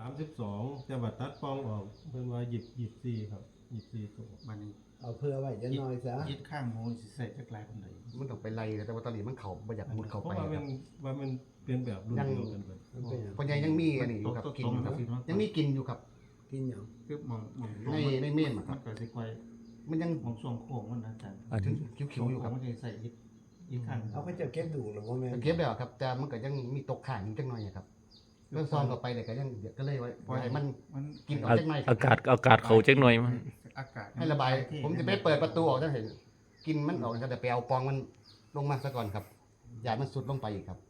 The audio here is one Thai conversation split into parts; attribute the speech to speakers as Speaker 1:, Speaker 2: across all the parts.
Speaker 1: 32แต่ว่าตัดปองออกเพิ่นว่า24ครับ24ตัว
Speaker 2: บัดนี้
Speaker 3: เอาเพื่อไว้จะน้อยซะ
Speaker 2: ยึดข้างหมูสิใส่จักหลายปานใด
Speaker 4: มันต้องไปไล่แต่ว่าตอนนี้มันเข้าบ่อยากมุดเข้า
Speaker 1: เพ
Speaker 4: ไป
Speaker 1: ราะว่า
Speaker 4: ค
Speaker 1: มั
Speaker 4: รับ
Speaker 1: นว่ามันเป็นแบบรุ่นเดียวกันเบิด
Speaker 3: มันเป็นหยัง
Speaker 4: เพราะยังมีอันนี้อยู่ครับกินอยู่ครับยังมีกินอยู่ครับ
Speaker 3: กินหยัง
Speaker 2: คือมอง
Speaker 4: ในเมนค
Speaker 2: มั
Speaker 4: รับ
Speaker 2: นก็สิค่อย
Speaker 4: มันยัง
Speaker 2: มองช่วงโค้งมันนะอาจารย์
Speaker 5: อัน
Speaker 4: ถึงคิ้วๆอยู่ครับ
Speaker 2: มันจะใส่ยึดข้าง
Speaker 3: เอาเขาจะเก็บดูหรือว่าแม่น
Speaker 4: เก็บแล้วครับแต่มันก็ยังมีตกข้างอยู่จังหน่อยครับเรื่องซองเข้าไปเนี่ยก็ยังก็เลยไว้ปล่อยให้มัน
Speaker 2: มัน
Speaker 4: กินออก
Speaker 5: อากาศเขาจักหน่อยมั้ง
Speaker 2: อากาศ
Speaker 4: ให้ระบายผมจะไปเปิดประตูออกจะเห็นกินมันออกนะครับแต่ไปเอาปองมันลงมาซะก่อนครับอย่ามันสุดลงไปอีกครับ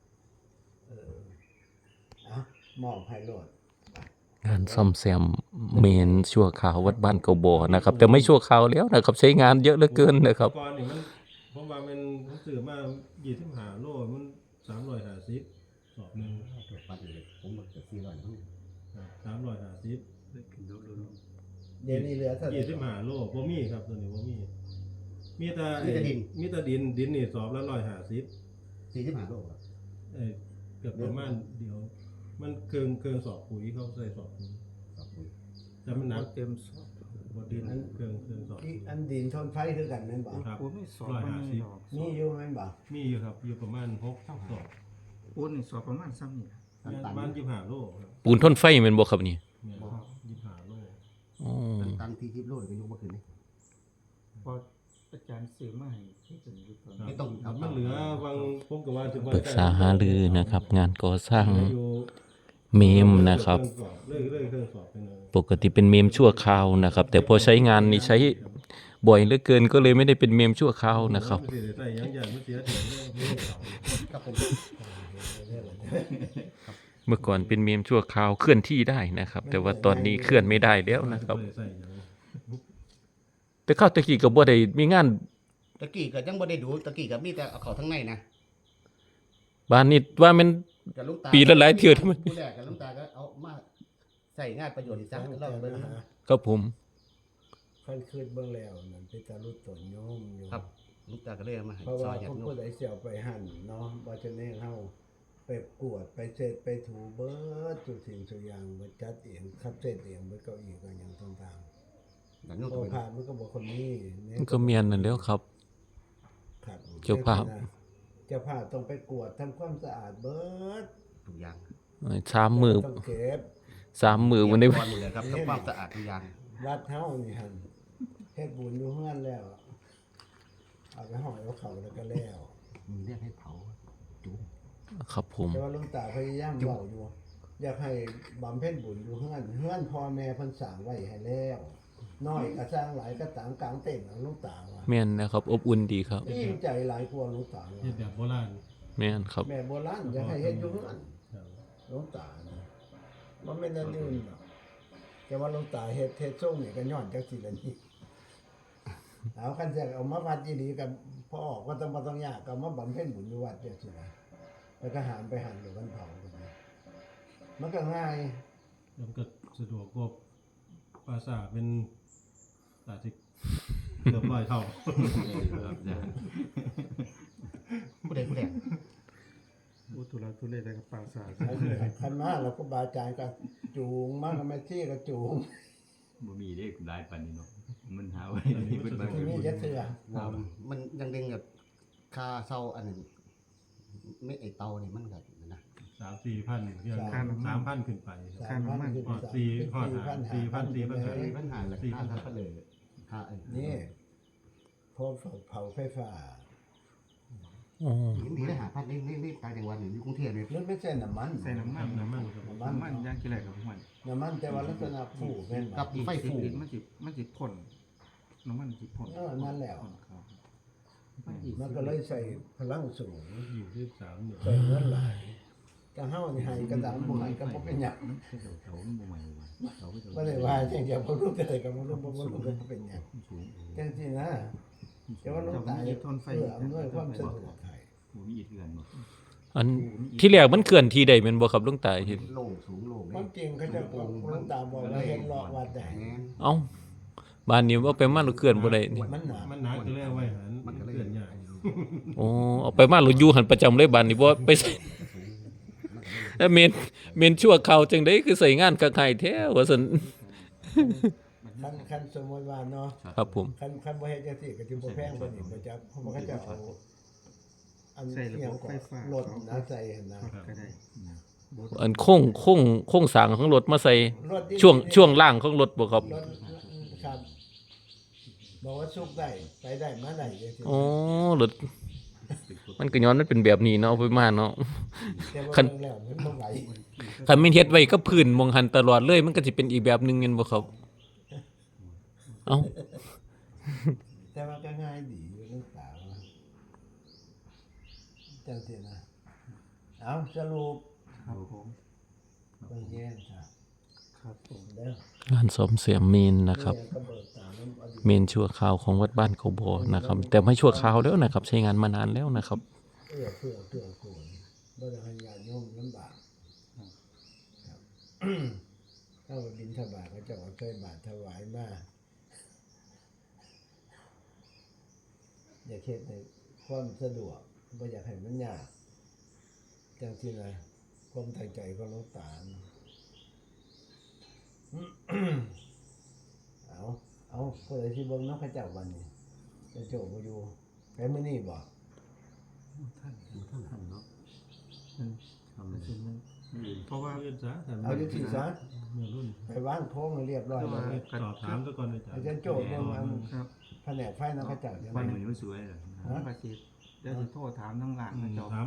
Speaker 3: อ่ะมอบให้โลด
Speaker 5: งานซ่อมแซมเมนชั่วคราววัดบ้านเกาบ่อนะครับ แต่ไม่ชั่วคราวแล้วนะครับ ใช้งานเยอะเหลือเกินนะครับ
Speaker 1: ก่อนนี่มันผมว่ามันผมซื้อมา25โลมัน350สอบหนึง
Speaker 4: ปัดเลยผมบอกจะ400ทั้ง
Speaker 1: 350
Speaker 3: เดี๋ยวนี้เหลือเท่าไหร่
Speaker 1: 25โลบ่มีครับตัวนี้บ่มีมีแต่มีแต่ดินนี่สอบละ150
Speaker 4: 45โลครับ
Speaker 1: เกือบประมาณเดียว มันเกินสอบปุ๋ยเขาใส่สอบปุ๋ย
Speaker 4: ครับผม
Speaker 1: แต่มันหนัก
Speaker 2: เต็มสอบ
Speaker 1: บ่ดินเกินสอบ
Speaker 3: ที่อันดินทนไฟคือกันแม่นบ่
Speaker 1: ครับ
Speaker 2: ปูนไม่สอบมันไม่ดอก
Speaker 3: มีอยู่แม่นบ่
Speaker 1: มีอยู่ครับอยู่ประมาณ6สอบ
Speaker 2: ปูนนี่สอบประมาณซ้ำนี่
Speaker 1: ประมาณ25โลครับ
Speaker 5: ปูนทนไฟแม่นบ่ครับนี่
Speaker 1: เนี่ย25โล
Speaker 5: อ๋อ
Speaker 4: ตันที่10โลก็ยกมาขึ้นนี่
Speaker 2: พออาจารย์ซื้อมาให้ที่เป็นอยู่ตอน
Speaker 4: ไม่ต้องครับ
Speaker 1: มันเหลือบางผมก็ว่าสิว่า
Speaker 5: ปรึกษาหารือนะครับ งานก่อสร้าง
Speaker 1: อยู่
Speaker 5: เมมนะครับ
Speaker 1: เลยเครื่องสอบไปเลย
Speaker 5: ปกติเป็นเมมชั่วคราวนะครับ แต่พอใช้งานนี่ใช้บ่อยเหลือเกินก็เลยไม่ได้เป็นเมมชั่วคราวนะครับ
Speaker 1: มันสิได้ใส่ยังอย่างมันเสียเถียงเลย
Speaker 4: ครับผม
Speaker 5: เมื่อก่อนเป็นเมมชั่วคราวเคลื่อนที่ได้นะครับ แต่ว่าตอนนี้เคลื่อนไม่ได้แล้วนะครับ
Speaker 1: เลยใส่หยัง
Speaker 5: แต่เข้าตะกี้ก็บ่ได้มีงาน
Speaker 4: ตะกี้ก็ยังบ่ได้ดูตะกี้ก็มีแต่เอาเข้าทั้งในนะ
Speaker 5: บ้านนี้ว่ามัน
Speaker 4: กับลุงตา
Speaker 5: ปีละหลายเทื่อที่มัน
Speaker 4: ผู้แรกกับลุงตาก็เอามาใส่งานประโยชน์อีกสักรอบเบิ่ง
Speaker 5: ครับผม
Speaker 3: คันคืนเบิ่งแล้วนั่นเป็นตาลุดตนโยมอยู่
Speaker 4: ครับลุงตาก็เลยเอามาให้
Speaker 3: เพราะ
Speaker 4: ซ
Speaker 3: ว่า
Speaker 4: อยญา
Speaker 3: ผม
Speaker 4: ติโย
Speaker 3: ผู้
Speaker 4: ม
Speaker 3: ใดเสี่ยวไปหั่นเนาะบ่จะแน่เฮาไปกวดไปเสร็จไปถูเบิดทุกสิ่งทุกอย่างเบิดจัดเองคัดเสร็จเองเบิดเก้าอี้ก็หยังต่าง
Speaker 4: ญาติโยม
Speaker 3: ๆ
Speaker 4: ก็
Speaker 3: บ่
Speaker 4: ไป
Speaker 3: ผ่านมันก็บ่คนนี้
Speaker 5: มันก็เมียนนั่นแล้วครับ
Speaker 3: ครับ
Speaker 5: เจ้าภาพ
Speaker 3: เจ้าภาพต้องไปกวดทำความสะอาดเบิด
Speaker 4: ทุกอย่าง
Speaker 5: 3 มื้อ
Speaker 3: ต้องเก็บ
Speaker 5: 3 มื้อวันนี้
Speaker 4: ก่อนหมดเลยครับทำความสะอาดทุกอย่าง
Speaker 3: วัดเฮานี่หั่นเฮ็ดบุญอยู่เฮือนแล้วเอาไปห่อยเอาเขาแล้วก็แล้ว
Speaker 4: มีเรียกให้เผาจุ๊บ
Speaker 5: ครับผม
Speaker 3: แต่ว่าหลวงตาพยายามเว้าอยู่ อยากให้บำเพ็ญบุญอยู่เฮือนเฮือนพ่อแม่เพิ่นสร้างไว้ให้แล้วน้อยก็สร้างหลายก็ตามกลางเต็นท์เอาหลวงตาว่า
Speaker 5: แม่นนะครับ อบอุ่นดีครับ
Speaker 3: ยิ่งใจหลายกว่าหลวงตาว่า
Speaker 1: เฮ็ดแบบโบราณ
Speaker 5: แม่นครับ
Speaker 3: แม่โบราณอยากให้เฮ็ดอยู่เฮือน
Speaker 1: ครับ
Speaker 3: หลวงตานะมันไม่นนั่นนี่หรอกแต่ว่าหลวงตาเฮ็ดส่งนี่ก็ย้อนจักสิละนี่เอาคันจะเอามาวัดอีหลีกับพ่อออกก็ต้องยากก็มาบำเพ็ญบุญอยู่วัดจังซี่นะแล้วก็หามไปหันหรือวันเผากันนะมันก็ง่าย
Speaker 1: แล้วก็สะดวกกว่าภาษาเป็นอาจจะเกือบ100เท่า
Speaker 4: ผู้ใดผู้แรก
Speaker 2: อุตุระตุเลได้กับปราสาท
Speaker 3: คันมาเราก็บาอาจารย์ก็จูงมาก็ไม่ที่ก็จูง
Speaker 6: บ่มีเด้หลายปานนี้เนาะมันหาไว้ที่เพิ่นบ่
Speaker 3: ที่นี่จะเสือ
Speaker 4: มันยังดึงกับค่าเช่าอันนึงไม่ไอเตานี่มันก็นะ
Speaker 1: 3-4 พันเที่ยว3,000ขึ้นไปครับ
Speaker 3: 3,000ขึ้น
Speaker 1: ฮอด4ฮอด4,000
Speaker 4: ปัญหาเลยค่าทับเลยค่าไอ้
Speaker 3: นี่พอเผาไฟฟ้า
Speaker 5: อ๋อ
Speaker 4: มีได้หาพันนี่ต่างจังหวัดนี่อยู่กรุงเทพนี่
Speaker 3: มันไม่ใช่น้ำมัน
Speaker 2: ใส่น้ำมัน
Speaker 1: น้ำมันครับ
Speaker 3: น้ำมัน
Speaker 2: ย่างกี่ไรกับพวกมัน
Speaker 3: น้ำมันแต่ว่าลักษณะผูกเป็น
Speaker 4: กับไฟฟู
Speaker 2: มันสิพ่นน้ำมันสิพ่น
Speaker 3: นั่นแหละ
Speaker 2: ครับ
Speaker 3: มันก็เลยใส่พลังสูง
Speaker 1: อยู่ที่3เนี่ย
Speaker 3: ใส่เงินหลายกะเฮานี่ให้กระดามบ่ให้ก็บ่เป็นหยัง
Speaker 6: เขาบ่ใหม่ว่าเขาก็จะ
Speaker 3: บ่ได้ว่าจังเดียวบ่รู้เลยก็บ่รู้ก็บ่เป็นหยัง
Speaker 6: สูง
Speaker 3: จังซี่นะแต่ว่าหลวงตาเพื่ออำนวยความสะดวกให้
Speaker 6: บ่มีอีกเทือนบ่
Speaker 5: อันที่แรกมันเคลื่อนที่ใดแม่นบ่ครับหลวงตาเห็น
Speaker 4: โล่งสูงโล่ง
Speaker 3: ความจริงเขาจะบอกหลวงตาบอกว่าเห็นเลาะวัดได้
Speaker 5: เอ้าบ้านนี้ว่าไปมาหรือเคลื่อนบ่ได้นี่
Speaker 3: มันหนา
Speaker 1: มันหนักก็เลยเอาไว้หันมันเกินใหญ่
Speaker 5: โอ้เอาไปมาหรืออยู่หันประจำเลยบ้านนี้บ่ไปใส่แล้วเมนชั่วคราวจังได๋คือใส่งานกับใครแท้ว่าซั่น
Speaker 3: คันสมมุติว่าเนาะ
Speaker 5: ครับผม
Speaker 3: คันบ่เฮ็ดจังซี่ก็สิบ่แพงกว่านี้บ่จักเพราะมันก็จะเอาอัน
Speaker 2: ใส่ระ
Speaker 3: เอีย
Speaker 2: บ
Speaker 3: ง
Speaker 2: บ
Speaker 3: ก็
Speaker 2: ไฟฟ้าร
Speaker 3: ถนะใส่หั่นนะ
Speaker 2: ก็ได้
Speaker 5: อันโค้งสร้างของรถมาใส่
Speaker 3: รถดี
Speaker 5: ช่วงล่างของรถบ่ครับ
Speaker 3: รถครับบอกว่าสุกได้ไปได้มาได้จังซี่
Speaker 5: อ๋อรถมันก็ย้อนมันเป็นแบบนี้เนาะเอาไปมาเนาะ
Speaker 3: แต่ว่า
Speaker 5: คัน
Speaker 3: เบิ่งแล้วมันบ่ไหว
Speaker 5: คันแม่นเฮ็ดไว้กับพื้นมองหันตลอดเลยมันก็สิเป็นอีกแบบหนึงแม่นบ่ครับเอ้า
Speaker 3: แต่ว่าก็ง่ายดีอยู่ลูกสาวอะจังซี่นะเอาสรุป
Speaker 2: ครับผม
Speaker 3: เบิ่งแย่งครับ
Speaker 2: ครับผม
Speaker 3: เด้อ
Speaker 5: การซ่อมแซมเมนนะครับ
Speaker 3: เนี่ยก็เบิกตามน้ำอดีต
Speaker 5: เมนชั่วคราวของวัดบ้านเขาบ่อนะครับ แต่ไม่ชั่วคราวแล้วนะครับ ใช้งานมานานแล้วนะครับ
Speaker 3: เพื่อกูลบ่ได้ให้ญาติโยมลำบากครับ ถ้าว่าบิณฑบาตก็จะเอาใส่บาตรถวายมาอยากเฮ็ดในความสะดวกบ่อยากให้มันยากจังซี่นะความตั้งใจของหลวงตานะ เอาเปิดสิเบิ่งเนาะพระเจ้าวันนี้จะโจบ่อยู่ไปมื้อนี้บ่
Speaker 2: ท่าน
Speaker 6: ทำเนาะ
Speaker 2: มัน
Speaker 6: ทำ
Speaker 2: มันสิมันเพราะว่า
Speaker 1: เรียนซะแต่
Speaker 3: เอาจังซี่ซะ
Speaker 1: เมื่อรุ่น
Speaker 3: ไปวางโค้งให้เรียบร้อย
Speaker 2: แต่
Speaker 3: แล้
Speaker 2: ว่า
Speaker 3: ว
Speaker 1: สอบถามซะก่อนอาจาร
Speaker 3: อา
Speaker 1: ย์
Speaker 3: จารย์โจเบิ่งอัน
Speaker 2: ครับ
Speaker 3: แผนกไฟนะพระเจ้าจัง
Speaker 6: วัน
Speaker 3: ได๋
Speaker 6: นี้มันสวยเลย
Speaker 2: ผมก็สิเดี๋ยวสิโทรถามทั้งหลานนะเจ้า
Speaker 1: ถาม